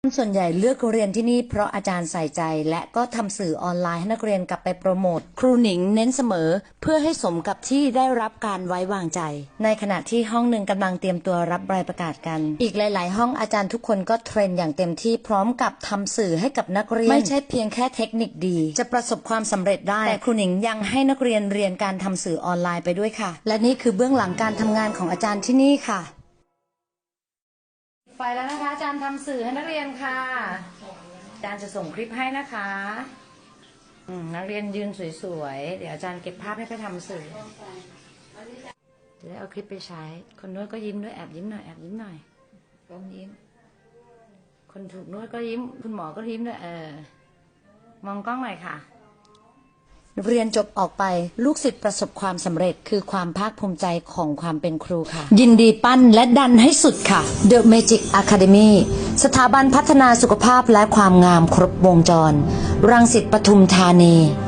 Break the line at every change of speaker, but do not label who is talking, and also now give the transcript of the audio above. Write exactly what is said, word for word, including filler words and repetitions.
ส่วนใหญ่เลือกเรียนที่นี่เพราะอาจารย์ใส่ใจและก็ทำสื่อออนไลน์ให้นักเรียนกลับไปโปรโมทครูหนิงเน้นเสมอเพื่อให้สมกับที่ได้รับการไว้วางใจในขณะที่ห้องหนึ่งกำลังเตรียมตัวรับใบประกาศกันอีกหลายๆห้องอาจารย์ทุกคนก็เทรนอย่างเต็มที่พร้อมกับทำสื่อให้กับนักเรียนไม่ใช่เพียงแค่เทคนิคดีจะประสบความสำเร็จได้แต่ครูหนิงยังให้นักเรียนเรียนการทำสื่อออนไลน์ไปด้วยค่ะและนี่คือเบื้องหลังการทำงานของอาจารย์ที่นี่ค่ะไฟแล้วนะคะอาจารย์ทำสื่อให้นักเรียนค่ะอาจารย์จะส่งคลิปให้นะคะนักเรียนยืนสวยๆเดี๋ยวอาจารย์เก็บภาพให้ไปทำสื่อจะได้เอาคลิปไปใช้คนนวดก็ยิ้มด้วยแอบยิ้มหน่อยแอบยิ้มหน่อยก้มยิ้มคนถูกนวดก็ยิ้มคุณหมอก็ยิ้มด้วยเออมองกล้องหน่อยค่ะเรียนจบออกไปลูกศิษย์ประสบความสำเร็จคือความภาคภูมิใจของความเป็นครูค่ะยินดีปั้นและดันให้สุดค่ะ The Magic Academy สถาบันพัฒนาสุขภาพและความงามครบวงจรรังสิตปทุมธานี